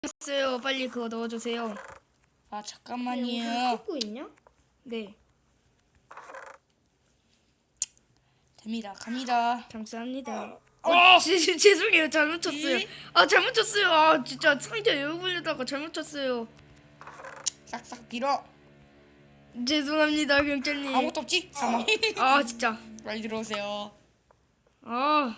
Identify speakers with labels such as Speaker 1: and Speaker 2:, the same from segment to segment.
Speaker 1: 있어요. 빨리 그거 넣어주세요.
Speaker 2: 아
Speaker 3: 여기
Speaker 2: 잠깐만요.
Speaker 3: 찍고 있냐?
Speaker 1: 네,
Speaker 2: 됩니다. 갑니다.
Speaker 1: 감사합니다.
Speaker 2: 어!
Speaker 1: 죄송해요. 잘못 쳤어요.
Speaker 2: 이?
Speaker 1: 아, 잘못 쳤어요. 아, 진짜 상자 열어보려다가 잘못 쳤어요.
Speaker 2: 싹싹 빌어.
Speaker 1: 죄송합니다, 경찰님.
Speaker 2: 아무것도 없지? 사망.
Speaker 1: 아, 진짜.
Speaker 2: 빨리 들어오세요.
Speaker 1: 아,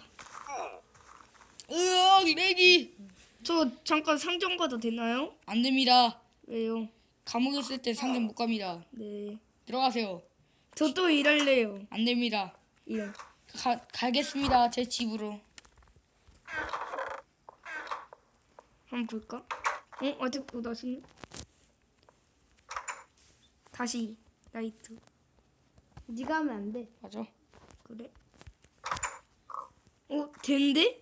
Speaker 2: 으악 렉이.
Speaker 1: 저 잠깐 상점 가도 되나요?
Speaker 2: 안 됩니다.
Speaker 1: 왜요?
Speaker 2: 감옥에 있을 때 상점 못 갑니다.
Speaker 1: 네.
Speaker 2: 들어가세요.
Speaker 1: 저 또 일할래요.
Speaker 2: 안 됩니다.
Speaker 1: 일.
Speaker 2: 가겠습니다. 제 집으로.
Speaker 1: 한번 볼까? 아직도 다시. 다시 나이트.
Speaker 3: 네가 하면 안 돼.
Speaker 2: 맞아.
Speaker 1: 그래? 된대?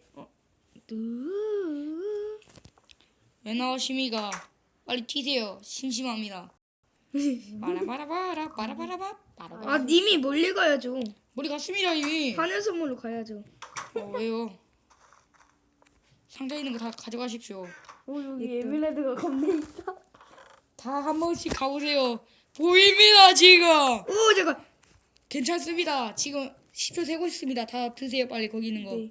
Speaker 2: 왜 나오십니까? 빨리 튀세요. 심심합니다. 바라바라바라 바라바라바 바라바라.
Speaker 1: 아, 님이 멀리 가야죠.
Speaker 2: 머리 갔습니다 이미.
Speaker 1: 하늘 선물로 가야죠.
Speaker 2: 왜요? 상자에 있는 거 다 가져가십시오.
Speaker 3: 여기 에밀레드가 겁내 있다.
Speaker 2: 다 한 번씩 가보세요. 보입니다 지금.
Speaker 1: 오, 잠깐.
Speaker 2: 괜찮습니다. 지금 10초 세고 있습니다. 다 드세요 빨리 거기 있는 거.
Speaker 1: 네.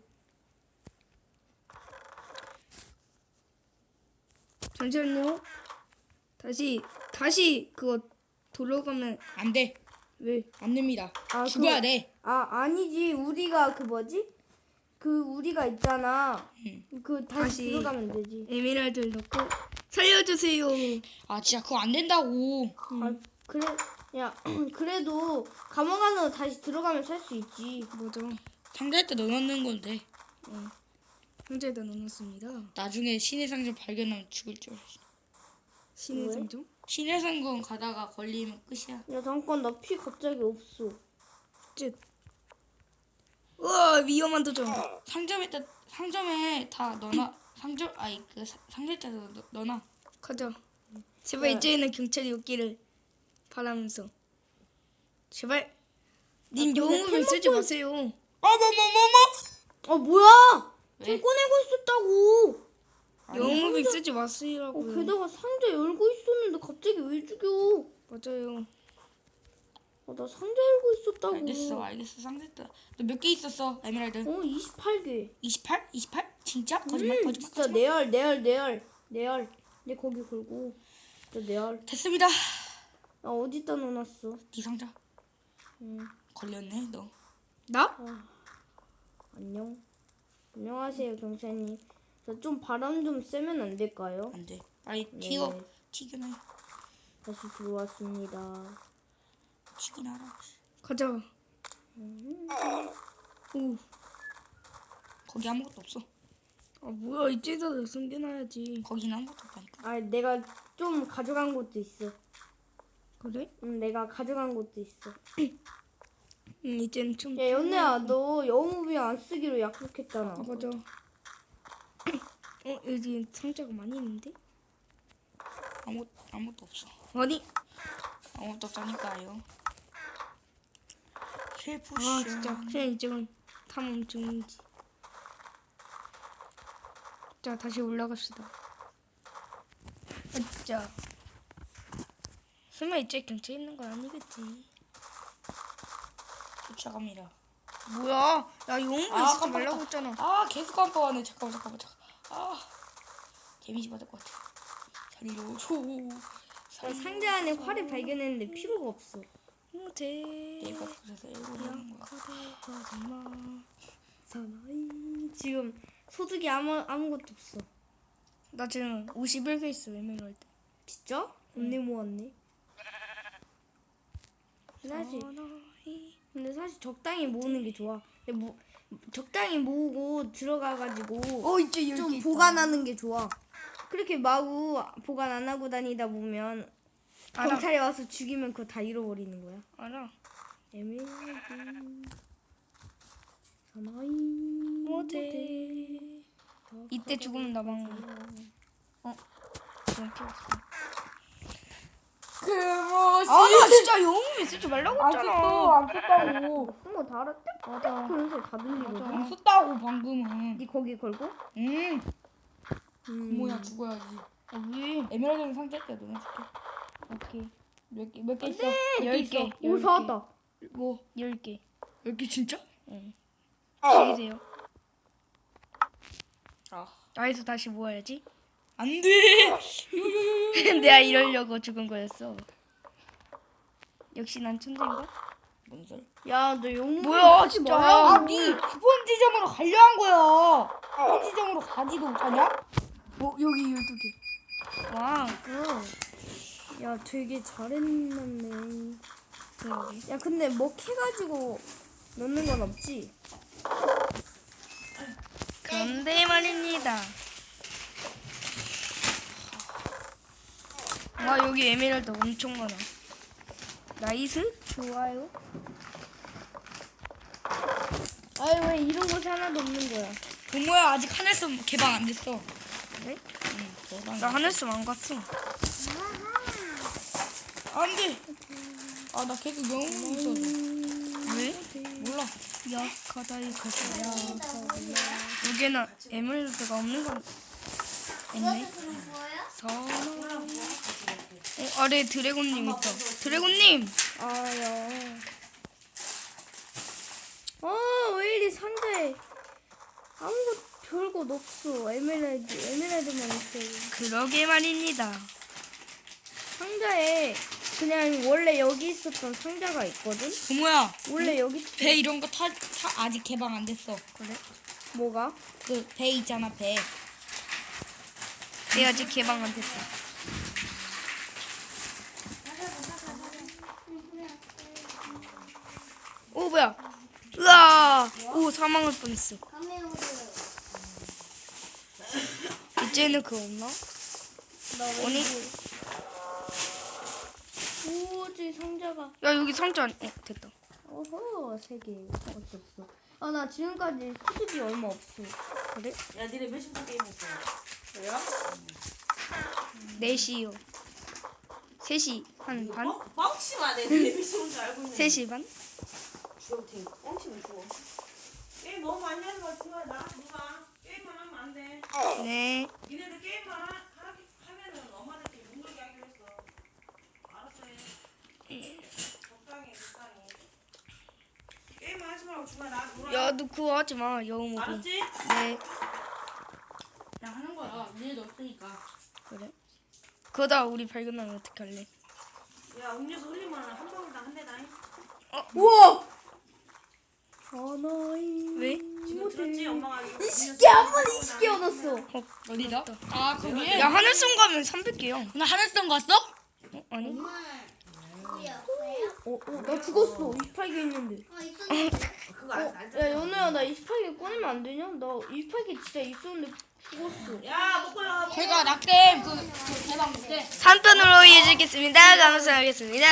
Speaker 1: 잠시만요. 다시 그거 돌아가면
Speaker 2: 안 돼.
Speaker 1: 왜?
Speaker 2: 안 됩니다.
Speaker 3: 아,
Speaker 2: 죽어야 돼.
Speaker 3: 아니지. 우리가 그 뭐지? 그 우리가 있잖아. 그 다시
Speaker 1: 다시.
Speaker 3: 들어가면 되지.
Speaker 1: 에메랄드를 넣고 살려주세요.
Speaker 2: 아 진짜 그거 안 된다고.
Speaker 3: 아 그래. 야 그래도 감옥 안으로 다시 들어가면 살 수 있지.
Speaker 1: 뭐죠?
Speaker 2: 상자에 때 넣어놓는 건데
Speaker 1: 상자에다 넣어놨습니다.
Speaker 2: 나중에 신의 상점 발견하면 죽을 줄 알았어.
Speaker 1: 신의
Speaker 3: 왜?
Speaker 1: 상점?
Speaker 2: 신의 상점 가다가 걸리면 끝이야.
Speaker 3: 야 잠깐 나 피 갑자기 없어.
Speaker 1: 쯧. 우와, 위험한 도전.
Speaker 2: 상점에 다 넣어놔. 상자에다 넣어놔.
Speaker 1: 가자. 제발
Speaker 3: 네.
Speaker 1: 이제는 경찰이 오기를 바라면서. 제발. 님
Speaker 3: 근데
Speaker 1: 영웅을 쓰지
Speaker 3: 템먹고
Speaker 1: 마세요.
Speaker 3: 뭐야?
Speaker 2: 왜?
Speaker 3: 템 꺼내고 있었다고.
Speaker 1: 영웅을 쓰지 마세요라고요.
Speaker 3: 게다가 상자 열고 있었는데 갑자기 왜 죽여?
Speaker 1: 맞아요.
Speaker 3: 나 상자 열고 있었다고.
Speaker 2: 알겠어. 상자에다. 너 몇 개 있었어? 에메랄드?
Speaker 3: 28개.
Speaker 2: 28? 28? 진짜? 거짓말.
Speaker 3: 진짜 내 거기 걸고. 진짜 내알.
Speaker 2: 됐습니다.
Speaker 3: 나 어디다 넣어놨어?
Speaker 2: 네 상자. 걸렸네 너.
Speaker 1: 나?
Speaker 3: 안녕. 안녕하세요 경찰님. 저 좀 바람 좀 쐬면 안 될까요?
Speaker 2: 안 돼. 빨리
Speaker 3: 네.
Speaker 2: 튀겨내.
Speaker 3: 다시 들어왔습니다.
Speaker 2: 튀기나라.
Speaker 1: 가자. 오.
Speaker 2: 거기 아무것도 없어.
Speaker 1: 아, 뭐야, 이제서 숨겨놔야지.
Speaker 2: 거기는 아무것도 없다니까.
Speaker 3: 아 내가 좀 가져간 것도 있어.
Speaker 1: 그래?
Speaker 3: 내가 가져간 것도 있어.
Speaker 1: 이제는 좀.
Speaker 3: 야 연애야 너 영웅비 안 쓰기로 약속했잖아.
Speaker 1: 아, 맞아. 여기 상자가 많이 있는데?
Speaker 2: 아무것도 없어.
Speaker 1: 아니.
Speaker 2: 아무것도 없다니까요. 셰프
Speaker 1: 아, 진짜. 그냥 이제는 탐험 중인지. 자, 다시 올라갑시다. 진짜. 설마 이제 경찰 있는 건 아니겠지?
Speaker 2: 쫓아갑니다.
Speaker 1: 뭐야? 야, 영웅을 쓰지
Speaker 2: 깜빡했다.
Speaker 1: 말라고 했잖아.
Speaker 2: 아 계속 깜빡하네. 잠깐만. 아 데미지 받을 것 같아. 살려줘.
Speaker 3: 나 상자 안에 활을 발견했는데 필요가 없어.
Speaker 1: 못해.
Speaker 2: 내가 그래서 일부러 하는 거야.
Speaker 3: 사나이. 지금 소득이 아무것도 없어.
Speaker 1: 나 지금 51개 있어, 에메랄드.
Speaker 3: 진짜? 겁내 모았네. 근데 사실 적당히 모으는 게 좋아. 근데 적당히 모으고 들어가가지고
Speaker 1: 이제
Speaker 3: 좀 보관하는 게 좋아. 그렇게 마구 보관 안 하고 다니다 보면
Speaker 1: 알아.
Speaker 3: 경찰이 와서 죽이면 그거 다 잃어버리는 거야.
Speaker 1: 알아.
Speaker 3: 에메랄드 사나이
Speaker 1: 못해. 이때 죽으면 나 망해. 그냥 필요 없어.
Speaker 2: 그것이
Speaker 1: 나 진짜 영웅을 쓰지 말라고 했잖아.
Speaker 2: 안 썼다고.
Speaker 3: 한번 다 알았대?
Speaker 1: 맞아.
Speaker 3: 그런 소리 다 들리거든.
Speaker 2: 안 썼다고 방금은.
Speaker 3: 니 거기 걸고?
Speaker 2: 뭐야 죽어야지.
Speaker 1: 왜?
Speaker 2: 에메랄드는 상자 있다. 너네 줄게.
Speaker 3: 오케이.
Speaker 2: 몇 개 있어?
Speaker 1: 10개.
Speaker 3: 오 사왔다.
Speaker 2: 뭐
Speaker 1: 10개.
Speaker 2: 10개 진짜?
Speaker 1: 즐기세요.
Speaker 2: 아.
Speaker 1: 나에서 다시 모아야지.
Speaker 2: 안 돼.
Speaker 1: 내가 이러려고 죽은 거였어. 역시 난 천재인가?
Speaker 2: 뭔 소리?
Speaker 3: 야너 용문
Speaker 1: 뭐야, 진짜.
Speaker 2: 아, 네 스폰지점으로 가려 한 거야. 스폰지점으로 가지도 못하냐?
Speaker 1: 여기 12개. 와, 굿.
Speaker 3: 야 되게 잘했네.
Speaker 1: 그러게.
Speaker 3: 야 근데 뭐 캐가지고 넣는 건 없지?
Speaker 1: 그런데 말입니다. 와, 여기 에메랄드 엄청 많아. 나이스? 좋아요.
Speaker 3: 아니 왜 이런 곳에 하나도 없는 거야?
Speaker 2: 동모야 아직 하늘섬 개방 안 됐어.
Speaker 1: 그래?
Speaker 2: 응, 개방.
Speaker 1: 나 하늘섬 안 갔어.
Speaker 2: 안 돼. 아, 나 계속 영웅 있어.
Speaker 1: 왜?
Speaker 2: 몰라.
Speaker 1: 약하다 이거야. 여기는 에메랄드가 없는 건 있네. 아래 드래곤님 있다. 드래곤님.
Speaker 3: 아야. 왜 이리 상자에 아무것도 별것 없어. 에메랄드만 있어.
Speaker 1: 그러게 말입니다.
Speaker 3: 상자에 그냥 원래 여기 있었던 상자가 있거든.
Speaker 2: 동모야
Speaker 3: 원래 여기
Speaker 2: 배 이런 거 아직 개방 안 됐어.
Speaker 1: 그래?
Speaker 3: 뭐가?
Speaker 2: 그 배 있잖아 배.
Speaker 1: 얘 아직 개방 안 됐어. 오 뭐야? 으아! 오 사망할 뻔했어. 이제는 그거 없나? 아니?
Speaker 3: 오지 상자가.
Speaker 1: 야 여기 상자 됐다.
Speaker 3: 어허 3개 없었어. 아 나 지금까지 수습이 얼마 없어.
Speaker 1: 그래?
Speaker 4: 야, 니네 몇 시부터 게임했어? 왜요?
Speaker 1: 4시요. 3시 한 반?
Speaker 4: 뻥치마 내 니네 몇 시인 줄 알고 있는데.
Speaker 1: 3시 반?
Speaker 4: 주영팀 뻥치면 주워. 게임 너무 많이 하는 거 같아. 나 누가 게임만 하면 안 돼.
Speaker 1: 네.
Speaker 4: 니네들 게임만 하면은 엄마들끼리 못 놀게 하기로 했어. 알았어. 적당히. 게임만 하지 말고 주말 나 놀아.
Speaker 1: 야 너 그거 하지 마. 여우모기.
Speaker 4: 알았지?
Speaker 1: 네.
Speaker 4: 그냥 하는 거야. 니네도 없으니까.
Speaker 1: 그래. 그러다 우리 발견하면 어떡할래?
Speaker 4: 야, 음료수 흘리면 한 방울당 한 대다.
Speaker 3: 우와. 하나이.
Speaker 1: 왜?
Speaker 4: 지금 들었지? 엄마가 이거
Speaker 3: 이 시계 한 번에 20개 얻었어.
Speaker 2: 어디다? 아 거기에?
Speaker 1: 야 하늘섬 가면 300개야.
Speaker 2: 나 하늘섬 갔어?
Speaker 1: 아니?
Speaker 3: 나 죽었어. 28개 있는데.
Speaker 4: 그거 안
Speaker 3: 야 연우야 나 28개 꺼내면 안 되냐? 나 28개 진짜 있었는데 죽었어.
Speaker 4: 야, 먹고요.
Speaker 2: 제가 낙겜 그 개방 못해.
Speaker 1: 3편으로 이어지겠습니다. 감사하겠습니다.